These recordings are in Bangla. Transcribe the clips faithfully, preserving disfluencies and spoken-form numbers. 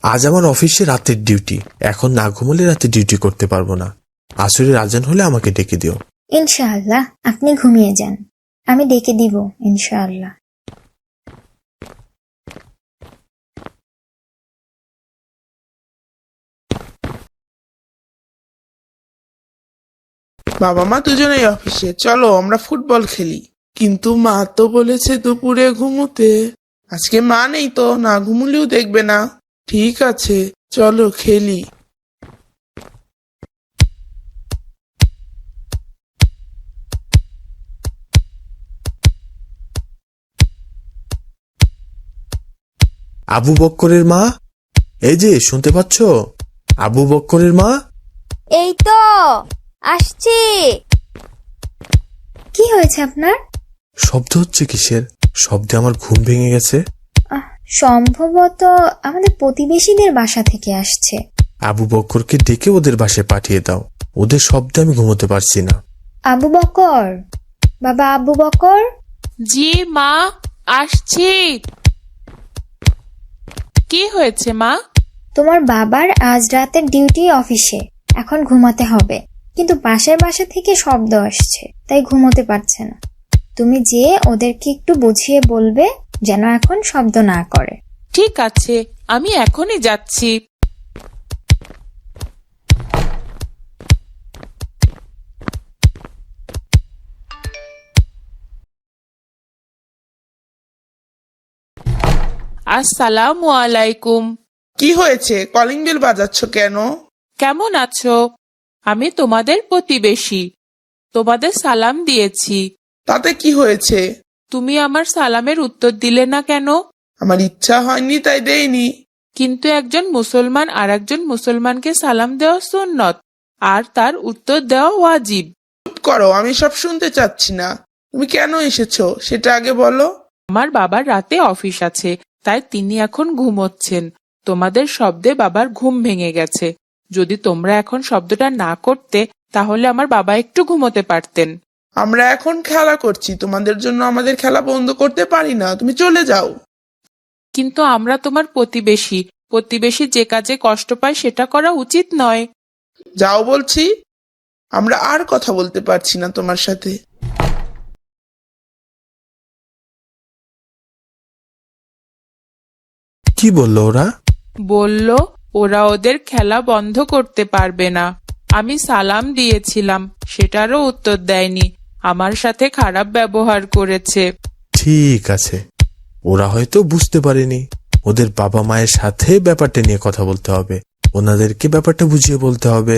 আজ আমার অফিসে রাতের ডিউটি, এখন না ঘুমলে রাতে ডিউটি করতে পারবো না। আসরের আজান হলে আমাকে ডেকে দিও। ইনশাআল্লাহ, আপনি ঘুমিয়ে যান, আমি ডেকে দিব ইনশাআল্লাহ। বাবা মা দুজনেই অফিসে, চলো আমরা ফুটবল খেলি। কিন্তু মা তো বলেছে দুপুরে ঘুমোতে। আজকে মা নেই তো, না ঘুমুলেও দেখবে না। ঠিক আছে, চলো খেলি। আবু বক্করের মা, এই যে শুনতে পাচ্ছ? আবু বক্করের মা। এই তো আসছি। কি হয়েছে আপনার? শব্দ হচ্ছে কিসের? শব্দে আমার ঘুম ভেঙে গেছে। আহ, সম্ভবত আমাদের প্রতিবেশীদের বাসা থেকে আসছে। আবু বক্করকে ডেকে ওদের বাসায় পাঠিয়ে দাও, ওদের শব্দে আমি ঘুমোতে পারছি না। আবু বকর, বাবা আবু বকর। জি মা, আসছি। কি হয়েছে মা? তোমার বাবার আজ রাতের ডিউটি অফিসে, এখন ঘুমাতে হবে, কিন্তু পাশের বাসা থেকে শব্দ আসছে, তাই ঘুমোতে পারছে না। তুমি যে ওদেরকে একটু বুঝিয়ে বলবে যেন এখন শব্দ না করে। ঠিক আছে, আমি এখনই যাচ্ছি। আসসালামু আলাইকুম। কি হয়েছে, কলিং বেল বাজাচ্ছ কেন? কেমন আছো? আমি তোমাদের প্রতিবেশী, তোমাদের সালাম দিয়েছি। তাতে কি হয়েছে? তুমি আমার সালামের উত্তর দিলে না কেন? আমার ইচ্ছা হয়নি তাই দেইনি। কিন্তু একজন মুসলমান আর একজন মুসলমানকে সালাম দেওয়া সুন্নত, আর তার উত্তর দেওয়া ওয়াজিব। চুপ করো, আমি সব শুনতে চাচ্ছি না। তুমি কেন এসেছো সেটা আগে বলো। আমার বাবার রাতে অফিস আছে, তাই তিনি এখন ঘুমোচ্ছেন। তোমাদের শব্দে বাবার ঘুম ভেঙে গেছে। যদি তোমরা এখন শব্দটা না করতে, তাহলে আমার বাবা একটু ঘুমোতে পারতেন। আমরা এখন খেলা করছি, তোমাদের জন্য আমাদের খেলা বন্ধ করতে পারি না। তুমি চলে যাও। কিন্তু আমরা তোমার প্রতিবেশী, প্রতিবেশী যে কাজে কষ্ট পায় সেটা করা উচিত নয়। যাও বলছি। আমরা আর কথা বলতে পারছি না তোমার সাথে। কি বললো ওরা? বলল ওরা ওদের খেলা বন্ধ করতে পারবে না। আমি সালাম দিয়েছিলাম, সেটারও উত্তর দেয়নি, আমার সাথে খারাপ ব্যবহার করেছে। ঠিক আছে, ওরা হয়তো বুঝতে পারেনি। ওদের বাবা মায়ের সাথে ব্যাপারটা নিয়ে কথা বলতে হবে, ওনাদেরকে ব্যাপারটা বুঝিয়ে বলতে হবে।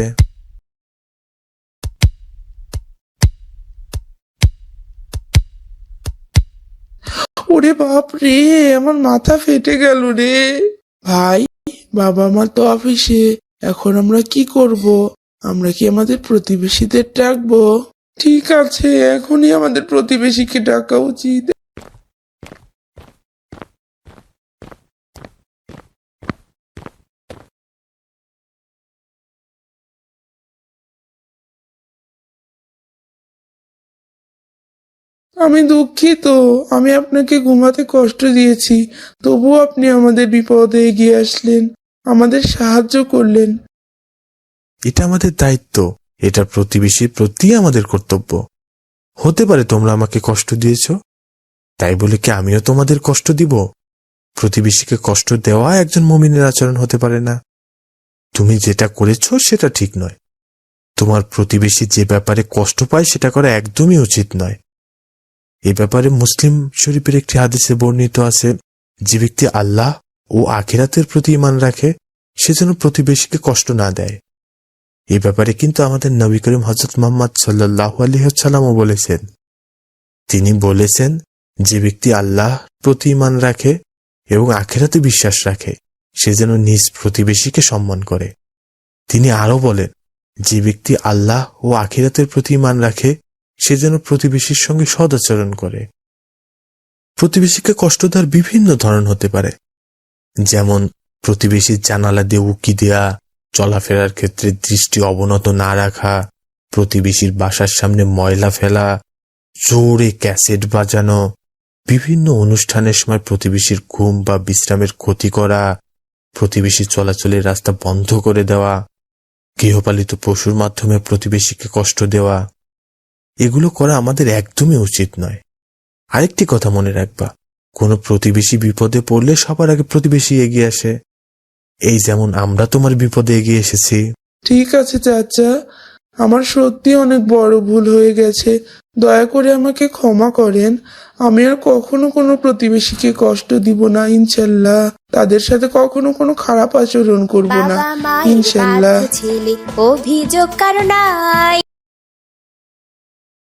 ওরে বাপ রে, আমার মাথা ফেটে গেল রে। ভাই, বাবা মা তো অফিসে, এখন আমরা কি করব? আমরা কি আমাদের প্রতিবেশীদের ডাকবো? ঠিক আছে, এখনই আমাদের প্রতিবেশীকে ডাকা উচিত। আমি দুঃখিত, আমি আপনাকে ঘুমাতে কষ্ট দিয়েছি, তবুও আপনি আমাদের বিপদে এগিয়ে আসলেন, আমাদের সাহায্য করলেন। এটা আমাদের দায়িত্ব, এটা প্রতিবেশীর প্রতি আমাদের কর্তব্য। হতে পারে তোমরা আমাকে কষ্ট দিয়েছ, তাই বলে কি আমিও তোমাদের কষ্ট দিব? প্রতিবেশীকে কষ্ট দেওয়া একজন মুমিনের আচরণ হতে পারে না। তুমি যেটা করেছো সেটা ঠিক নয়। তোমার প্রতিবেশী যে ব্যাপারে কষ্ট পায় সেটা করা একদমই উচিত নয়। এ ব্যাপারে মুসলিম শরীফের একটি হাদিসে বর্ণিত আছে, যে ব্যক্তি আল্লাহ ও আখিরাতের প্রতি ঈমান রাখে সে যেন প্রতিবেশীকে কষ্ট না দেয়। এই ব্যাপারে কিন্তু আমাদের নবী করিম হযরত মুহাম্মদ সাল্লাল্লাহু আলাইহি ওয়াসাল্লামও বলেছেন। তিনি বলেছেন, যে ব্যক্তি আল্লাহ প্রতি ঈমান রাখে এবং আখিরাতে বিশ্বাস রাখে সে যেন নিজ প্রতিবেশীকে সম্মান করে। তিনি আরো বলেন, যে ব্যক্তি আল্লাহ ও আখিরাতের প্রতি ঈমান রাখে সে যেন প্রতিবেশীর সঙ্গে সদাচরণ করে। প্রতিবেশীকে কষ্ট দেওয়ার বিভিন্ন ধরন হতে পারে, যেমন প্রতিবেশীর জানালা দিয়ে উকি দেয়া, চলাফেরার ক্ষেত্রে দৃষ্টি অবনত না রাখা, প্রতিবেশীর বাসার সামনে ময়লা ফেলা, জোরে ক্যাসেট বাজানো, বিভিন্ন অনুষ্ঠানের সময় প্রতিবেশীর ঘুম বা বিশ্রামের ক্ষতি করা, প্রতিবেশী চলাচলের রাস্তা বন্ধ করে দেওয়া, গৃহপালিত পশুর মাধ্যমে প্রতিবেশীকে কষ্ট দেওয়া, এগুলো করা আমাদের একদমই উচিত নয়। আরেকটি কথা মনে রাখবা, কোনো প্রতিবেশী বিপদে পড়লে সবার আগে প্রতিবেশী এগিয়ে আসে। এই যেমন আমরা তোমার বিপদে এগিয়ে এসেছি। ঠিক আছে চাচা, আমার সত্যি অনেক বড় ভুল হয়ে গেছে, দয়া করে আমাকে ক্ষমা করেন। আমি আর কখনো কোনো প্রতিবেশীকে কষ্ট দিব না ইনশাল্লাহ। তাদের সাথে কখনো কোনো খারাপ আচরণ করব না বাবা মায়ের ইনশাল্লাহ। বাধ্য ছেলে অভিযোগ কারো নাই।